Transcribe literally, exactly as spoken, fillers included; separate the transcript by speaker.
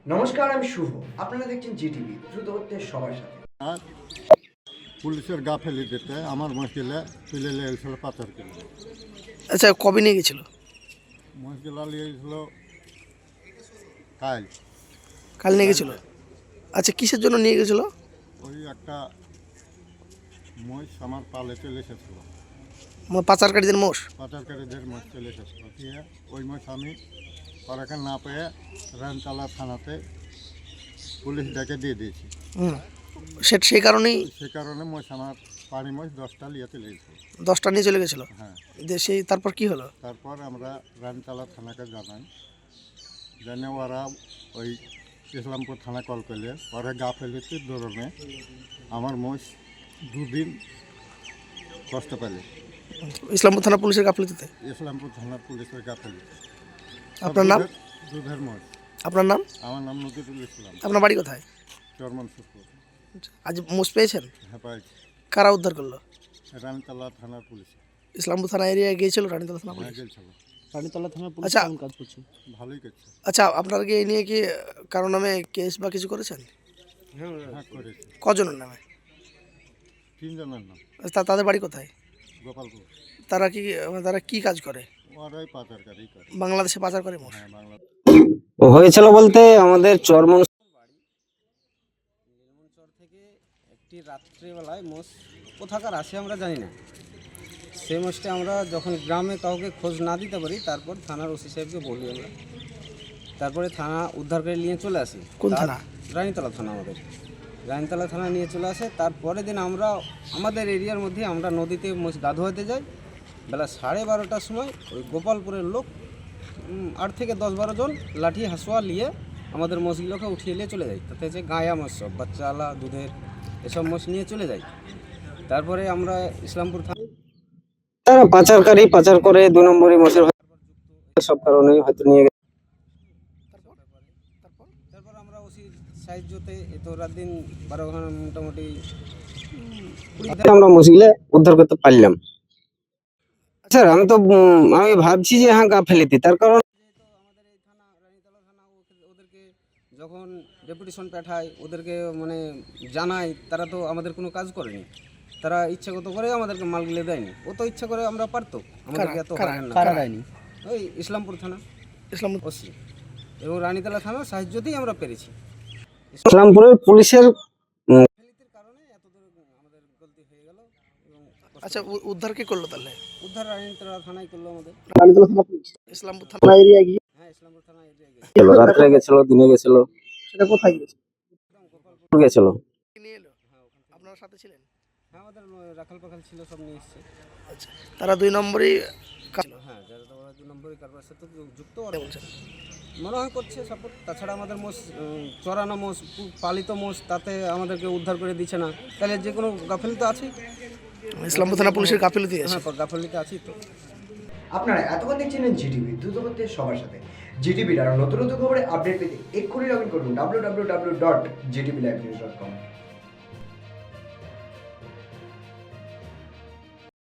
Speaker 1: নমস্কার, আমি শুভ। আপনারা দেখছেন জিটিভি, দ্রুত হচ্ছে সবার সাথে।
Speaker 2: আর পুলিশের গাফেলিতে আমার মহিলা তুলে নিয়েছিল পাথর কিলো।
Speaker 3: আচ্ছা, কবে নিয়ে গেছিল?
Speaker 2: মহিলা নিয়ে গেছিল কাল
Speaker 3: কাল নিয়ে গেছিল। আচ্ছা, কিসের জন্য নিয়ে গেছিল?
Speaker 2: ওই একটা মহিষ আমার পালে চলে এসেছিল,
Speaker 3: মানে পাচারকারীদের মোষ।
Speaker 2: পাচারকারীদের মহিষ চলে এসেছিল। দিয়ে ওই মহিষ আমি পরাকে না পেয়ে রানতলা থানাতে পুলিশ ডেকে দিয়ে দিয়েছি।
Speaker 3: হুম, সে সেই কারণেই
Speaker 2: সে কারণে মহিষ আমার পাড়ি মহিষ দশটা নিয়ে চলে গেছিল।
Speaker 3: দশটা নিয়ে চলে গেছিলো।
Speaker 2: হ্যাঁ,
Speaker 3: দিয়ে সেই তারপর কি হলো?
Speaker 2: তারপর আমরা রানতলা থানাকে জানাই, জানে ওরা ওই ইসলামপুর থানা কল করলে ওরা গাফেলিতির ধরনে আমার মহিষ দুদিন কষ্ট পেলে।
Speaker 3: ইসলামপুর থানা পুলিশের গাফিলতিতে।
Speaker 2: ইসলামপুর থানার পুলিশের গাফেলিতে।
Speaker 3: আপনার নাম?
Speaker 2: দুধের মহিষ।
Speaker 3: আপনার নাম?
Speaker 2: আমার নাম নজিরুল ইসলাম।
Speaker 3: আপনার বাড়ি কোথায়?
Speaker 2: চরমন সুপুর।
Speaker 3: আজ মোষ পেয়েছেন?
Speaker 2: হ্যাঁ, পাইছি।
Speaker 3: কারা উদ্ধার করলো?
Speaker 2: রানতলা থানার পুলিশ।
Speaker 3: ইসলামপুর থানা এরিয়ায় গিয়েছিল রানীতলা থানা
Speaker 2: হ্যাঁ,
Speaker 3: পুলিশ?
Speaker 2: গেছিল।
Speaker 4: রানীতলা থানার পুলিশ
Speaker 3: আচ্ছা।
Speaker 4: কেমন কাজ করছে?
Speaker 2: ভালোই করছে।
Speaker 3: আচ্ছা, আপনারা কি এই নিয়ে কি কারো নামে কেস বা কিছু করেছেন?
Speaker 2: হ্যাঁ, করেছে।
Speaker 3: কজনের নামে?
Speaker 2: তিনজনের নাম।
Speaker 3: তা তাদের বাড়ি কোথায়?
Speaker 2: গোপালপুর।
Speaker 3: তারা কি তারা কি কাজ করে?
Speaker 2: ওরাই পাচারকারী করে।
Speaker 3: বাংলাদেশে পাচার করে মোষ?
Speaker 2: হ্যাঁ, বাংলা।
Speaker 4: হয়েছিল বলতে আমাদের চরমন চর থেকে একটি রাত্রিবেলায় মোষ কোথাকার আসে আমরা জানি না। সেই মোষটা আমরা যখন গ্রামে কাউকে খোঁজ না দিতে পারি, তারপর থানার ওসি সাহেবকে বলি আমরা, তারপরে থানা উদ্ধার করে নিয়ে চলে আসি।
Speaker 3: কোন
Speaker 4: তার-
Speaker 3: থানা?
Speaker 4: রানীতলা থানা। আমাদের রানীতলা থানা নিয়ে চলে আসে। তারপরের দিন আমরা আমাদের এরিয়ার মধ্যে আমরা নদীতে মোষ গা ধোয়াতে যাই। বেলা সাড়ে বারোটার সময় ওই গোপালপুরের লোক উম, আট থেকে দশ বারো জন লাঠি হাসুয়া নিয়ে আমাদের মোষগুলোকে উঠিয়ে নিয়ে চলে যায়। তাতে যে গায়া মোষ সব বাচ্চা আলা দুধের এসব মোষ নিয়ে চলে যায়। তারপরে আমরা ইসলামপুর থানা, তারা পাচারকারী পাচার করে দুই নম্বরই মোষের সব কারণে হয়তো নিয়ে গেছে। তারপর আমরা ওসি সাহায্যতে এত রাত দিন বারো ঘন্টা মোটামুটি আমরা মোষগুলো উদ্ধার করতে পারলাম। আচ্ছা, আমি তো উম, আমি ভাবছি যে হ্যাঁ গাফেলিতি, তার কারণ আমাদের এই থানা রানীতলা থানা ওদেরকে যখন ডেপুটেশন পাঠায়, ওদেরকে মানে জানায়, তারা তো আমাদের কোনো কাজ করেনি। তারা ইচ্ছাগত করে আমাদেরকে মালগুলো দেয়নি। ও তো ইচ্ছা করে আমরা পারতো আমাদেরকে এত
Speaker 3: কারা-
Speaker 4: হয়রান না
Speaker 3: কারা
Speaker 4: করা।
Speaker 3: দেয়নি?
Speaker 4: ওই ইসলামপুর থানা
Speaker 3: ইসলামপুর
Speaker 4: ওসি এবং রানীতলা থানার সাহায্যতেই আমরা পেরেছি। ইসলামপুরের পুলিশের কারণে এত দূর আমাদের গলতি হয়ে গেল। এবং
Speaker 3: আচ্ছা, উ- উদ্ধার কে করলো তাহলে?
Speaker 4: উদ্ধার রানীতলা থানায় করলো আমাদের।
Speaker 3: ইসলামপুর থানা এরিয়ায় গিয়ে?
Speaker 4: হ্যাঁ, ইসলামপুর থানা এরিয়ায় গেছিল। রাত্রে গেছিল, দিনে গেছিল,
Speaker 3: সেটা কোথায় গিয়েছে?
Speaker 4: গেছিল।
Speaker 3: নিয়ে এলো? আপনার সাথে ছিলেন?
Speaker 4: হ্যাঁ, আমাদের রাখাল পাখাল ছিল, সব নিয়ে এসছে।
Speaker 3: আচ্ছা, তারা দুই নম্বরই কাজ
Speaker 4: হ্যাঁ, যারা তো ওরা দুই নম্বরই কারবার সাথে যুক্ত ওরা
Speaker 3: বলছেন।
Speaker 4: মনে হয় করছে সাপোর্ট। তাছাড়া আমাদের মোষ উম, চড়ানো মোষ, পালিত মোষ, তাতে আমাদেরকে উদ্ধার করে দিচ্ছে না। তাহলে যে কোনো গাফিলতি তো আছেই।
Speaker 3: ইসলামপুর থানা পুলিশের গাফিলতি আছে।
Speaker 4: হ্যাঁ, গাফিলতি আছেই তো।
Speaker 1: আপনারা এতক্ষণ দেখছিলেন জিটিভি, দ্রুত হচ্ছে সবার সাথে। জিটিভির আরও নতুন নতুন খবরে আপডেট পেতে এক্ষুনি লগ ইন করুন W W W dot GTV live news dot কম।